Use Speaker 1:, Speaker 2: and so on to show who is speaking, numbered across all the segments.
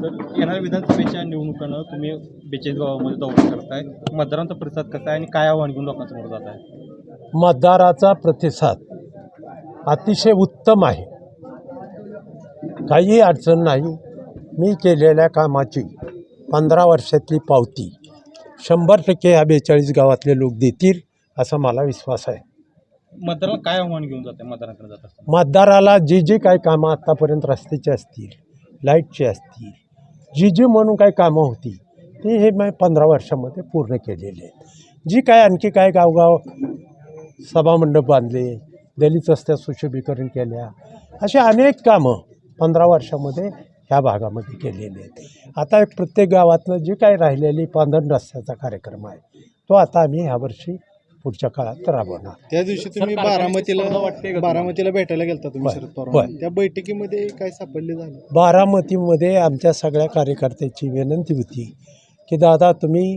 Speaker 1: तर येणाऱ्या विधानसभेच्या निवडणुकांना तुम्ही 42 गावामध्ये दौरा करताय, मतदारांचा प्रतिसाद कसा आहे आणि काय आव्हान घेऊन लोकांसमोर जात आहे?
Speaker 2: मतदाराचा प्रतिसाद अतिशय उत्तम आहे. काही अडचण नाही. मी केलेल्या कामाची 15 वर्षातली पावती 100% ह्या 42 गावातले लोक देतील असा मला विश्वास आहे.
Speaker 1: मतदाराला काय आव्हान घेऊन जाते मतदारांकडे जात असताना?
Speaker 2: मतदाराला जी काही कामं आत्तापर्यंत रस्त्याची असतील, लाईटची असतील, जी म्हणून काही कामं होती ती हे मी 15 वर्षामध्ये पूर्ण केलेली आहेत. जी काय आणखी काय गावगाव सभामंडप बांधले, दलित रस्त्यात सुशोभीकरण केल्या, अशी अनेक कामं 15 वर्षामध्ये ह्या भागामध्ये केलेले आहेत. आता एक प्रत्येक गावातनं जी काही राहिलेली पांधरण रस्त्याचा कार्यक्रम आहे तो आता आम्ही ह्यावर्षी पुढच्या काळात राबवणार.
Speaker 3: त्या दिवशी तुम्ही बारामतीला भेटायला गेलता तुम्ही शरद पवार, त्या बैठकीमध्ये काय सापडले झालं?
Speaker 2: बारामतीमध्ये आमच्या सगळ्या कार्यकर्त्याची विनंती होती की दादा तुम्ही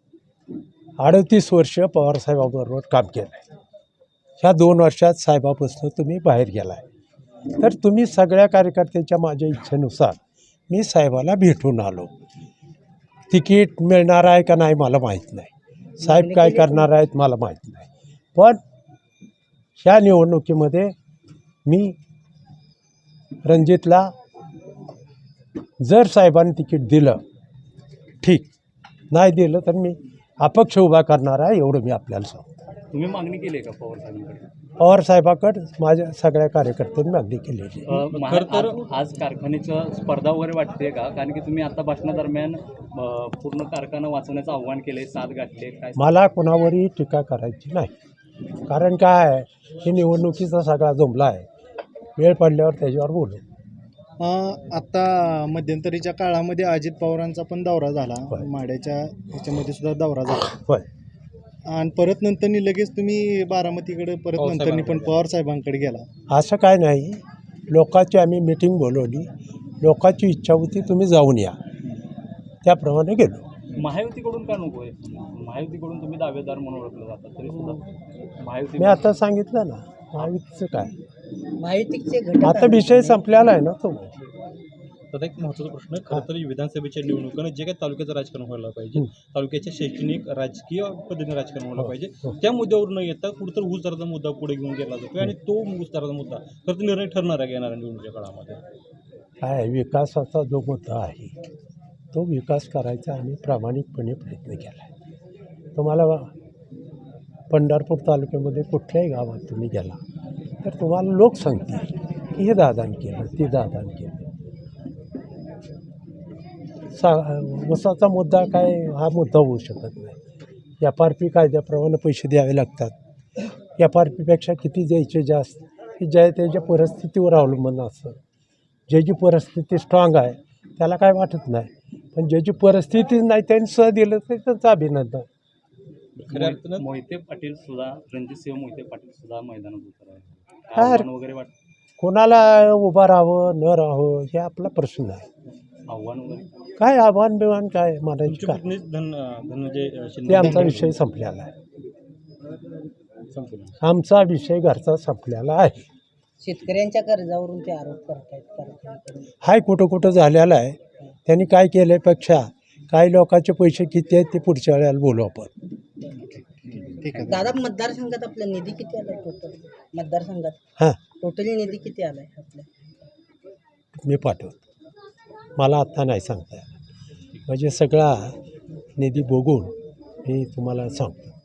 Speaker 2: 38 वर्ष पवारसाहेबाबरोबर काम केलं आहे, ह्या 2 वर्षात साहेबापासून तुम्ही बाहेर गेला आहे, तर तुम्ही सगळ्या कार्यकर्त्याच्या माझ्या इच्छेनुसार मी साहेबाला भेटून आलो. तिकीट मिळणार आहे का नाही मला माहीत नाही, साहेब काय करणार आहेत मला माहीत नाही, पण ह्या निवडणुकीमध्ये मी रणजितला जर साहेबांनी तिकीट दिलं ठीक, नाही दिलं तर मी अपक्ष उभा करणार आहे, एवढं मी आपल्याला सांगतो.
Speaker 1: तुम्ही मागणी केली आहे का पवार साहेबांकडे?
Speaker 2: पवार साहेबाकडे माझ्या सगळ्या कार्यकर्त्यांनी मागणी केलेली.
Speaker 4: खरं तर आज कारखान्याचं स्पर्धा वगैरे वाटते का? कारण की तुम्ही आता भाषणादरम्यान पूर्ण कारखाना वाचवण्याचं आव्हान केले, साथ गाठले, काय?
Speaker 2: मला कोणावरही टीका करायची नाही, कारण काय आहे, ही निवडणुकीचा सगळा जमला आहे, वेळ पडल्यावर त्याच्यावर बोलू.
Speaker 3: आता मध्यंतरीच्या काळामध्ये अजित पवारांचा पण दौरा झाला, माड्याच्या ह्याच्यामध्ये सुद्धा दौरा झाला,
Speaker 2: होय,
Speaker 3: आणि परत नंतरनी लगेच तुम्ही बारामतीकडे परत नंतरनी पण पवार साहेबांकडे गेला.
Speaker 2: असं काय नाही, लोकांची आम्ही मिटिंग बोलवली, लोकांची इच्छा होती तुम्ही जाऊन या, त्याप्रमाणे गेलो.
Speaker 4: महायुतीकडून का नको आहे? महायुतीकडून तुम्ही दावेदार म्हणून ओळखलं जातात तरी सुद्धा महायुती.
Speaker 2: मी आता सांगितलं ना महायुतीचं काय,
Speaker 5: माहितीचे
Speaker 2: आता विषय संपलेला आहे ना तो.
Speaker 1: तर एक महत्त्वाचा प्रश्न, खरं तर विधानसभेच्या निवडणुकांना जे काही तालुक्याचं राजकारण व्हायला पाहिजे, तालुक्याच्या शैक्षणिक राजकीय पद्धतीने राजकारण व्हायला पाहिजे, त्या मुद्द्यावर न येता कुठंतरी ऊस दराचा मुद्दा पुढे घेऊन गेला जातो आणि तो ऊस दराचा मुद्दा खरं तर निर्णय ठरणार आहे येणाऱ्या निवडणुकीच्या काळामध्ये.
Speaker 2: काय विकासाचा जो मुद्दा आहे तो विकास करायचा आम्ही प्रामाणिकपणे प्रयत्न केला आहे. तुम्हाला पंढरपूर तालुक्यामध्ये कुठल्याही गावात तुम्ही गेला तर तुम्हाला लोक सांगतील की हे दादान केलं, ते दादान केलं. ऊसाचा मुद्दा काय हा मुद्दा होऊ शकत नाही. FRP कायद्याप्रमाणे पैसे द्यावे लागतात. FRPपेक्षा किती द्यायचे जास्त हे ज्या त्याच्या परिस्थितीवर अवलंबून असतं. ज्याची परिस्थिती स्ट्रॉंग आहे त्याला काय वाटत नाही, पण ज्याची परिस्थितीच नाही त्यांनी दिलं तर त्यांचं अभिनंदन.
Speaker 1: खऱ्या अर्थानं
Speaker 4: मोहिते पाटील सुद्धा, रणजितसिंह मोहिते पाटील सुद्धा मैदानात उतर आहे,
Speaker 2: काय
Speaker 4: आव्हान वगैरे वाटतं?
Speaker 2: कोणाला उभं राहावं न राहावं हे आपला प्रश्न आहे.
Speaker 4: आव्हान वगैरे
Speaker 2: काय आव्हान बिव्हान काय म्हणायचं
Speaker 1: तुमचे
Speaker 2: काय,
Speaker 1: पत्नी धनंजय
Speaker 2: ते
Speaker 1: शिंदे
Speaker 2: आमचा विषय संपलेला आहे.
Speaker 1: संपलं.
Speaker 2: आमचा विषय घरचा संपलेला आहे.
Speaker 5: शेतकऱ्यांच्या कर्जावरून ते आरोप करतायत.
Speaker 2: हाय कुठं कुठं झालेला आहे. त्यांनी काय केल्यापेक्षा काही लोकांचे पैसे किती आहेत ते पुढच्या वेळेला बोलू आपण.
Speaker 3: ठीक आहे
Speaker 5: दादा, मतदारसंघात आपला निधी किती आलाय टोटल? मतदारसंघात
Speaker 2: हां,
Speaker 5: टोटली निधी किती आलाय आपल्या?
Speaker 2: मी पाठवतो, मला आत्ता नाही सांगता येणार, म्हणजे सगळा निधी बघून मी तुम्हाला सांगतो.